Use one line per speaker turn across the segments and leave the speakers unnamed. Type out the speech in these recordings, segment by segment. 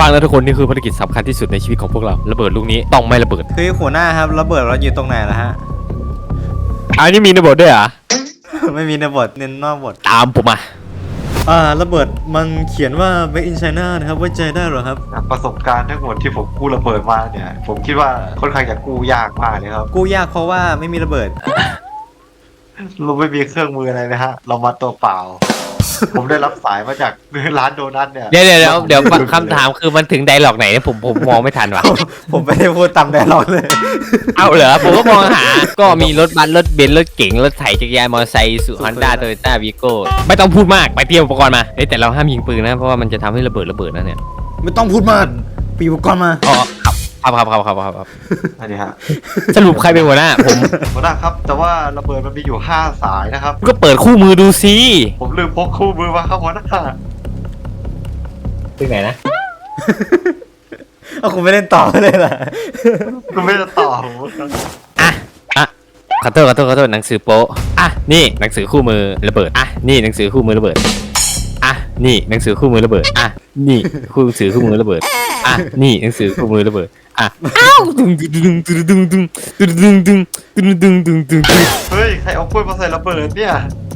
ฟังแล้วทุกคนนี่คือภารกิจสำคัญที่สุดในชีวิตของพวกเราระเบิดลูกนี้ต้องไม่ระเบิด
คือหัวหน้าครับระเบิดเราอยู่ตรงไหนล่ะฮะ
อันนี้มีระเบิดด้วยเหรอ
ไม่มีในบทเน้นนอกบท
ตามผมมา
ระเบิดมันเขียนว่า Made in China นะครับไว้ใจได้เหรอครับ
ประสบการณ์ทั้งหมดที่ผมกู้ระเบิดมาเนี่ยผมคิดว่าค่อนข้างจะกู้ยากมากเลยครับ
กู้ยากเพราะว่าไม่มีระเบิด
เราไม่มีเครื่องมืออะไรนะฮะเรามาตัวเปล่า ผมได้รับสายมาจากร้านโดนัทเนี่ย
เดี๋ยวคำถามคือมันถึงไดร็อกไหนเนี่ยผมมองไม่ทันว่ะ
ผมไม่ได้พูดตามไดร็อกเลย
เอาเหรอผมก็มองหาก็มีรถบัสรถเบนซ์รถเก๋งรถไถจักรยานมอเตอร์ไซค์สุฮอนด้าโตโยต้าวีโก้ไม่ต้องพูดมากไปเตรียมอุปกรณ์มาแต่เราห้ามยิงปืนนะเพราะว่ามันจะทำให้ระเบิดนะเนี่ย
ไม่ต้องพูดมากปีอุปกรณ์มา
อ๋อครับ
อันนี้ฮะ
สรุปใครเป็นหัวหน้าผม
หัวหน้าครับแต่ว่าระเบิดมันมีอยู่5สายนะครับ
ก็เปิดคู่มือดูสิ
ผมลืมพกคู่มือมาครับหัวหน้า
ถึงไหนนะ
เอาคุณไม่เล่นต่อเลยล่ะ
คุณไม่จะต่อผม
ขอโทษหนังสือโป๊นี่หนังสือคู่มือระเบิดนี่หนังสือคู่มือระเบิดนี่หนังสือคู่มือระเบิดนี่หนังสือคู่มือระเบิดนี่หนังสือคู่มือระเบิดอ้าวดึง
เฮ้ยใครเอากล้วยมาใส่ระเบิดเนี่ย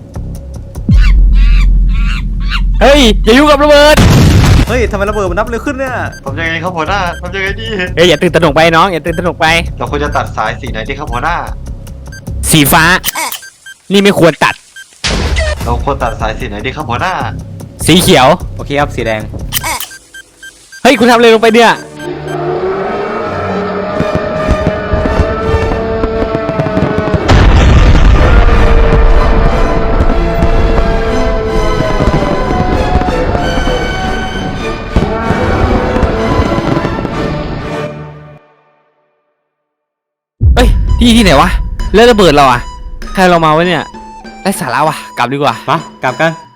เฮ้ยอย่ายุ่งกับระเบิด
เฮ้ยทำไมระเบิดมันนับเร็วขึ้นเนี่ย
ทำยังไงครับหัวหน้าทำยังไงดี
อย่าตื่นตระหนกไปน้องอย่าตื่นตระหนกไป
เราควรจะตัดสายสีไหนดีครับหัวหน้า
สีฟ้านี่ไม่ควรตัด
เราควรตัดสายสีไหนดีครับหัวหน้า
สีเขียว
โอเคครับสีแดง
เฮ้ยคุณทำอะไรลงไปเนี่ยที่ไหนวะแล้วระเบิดเราใครเรามาวะเนี่ยไร้สาระวะกลับดีกว่า
มากลับกัน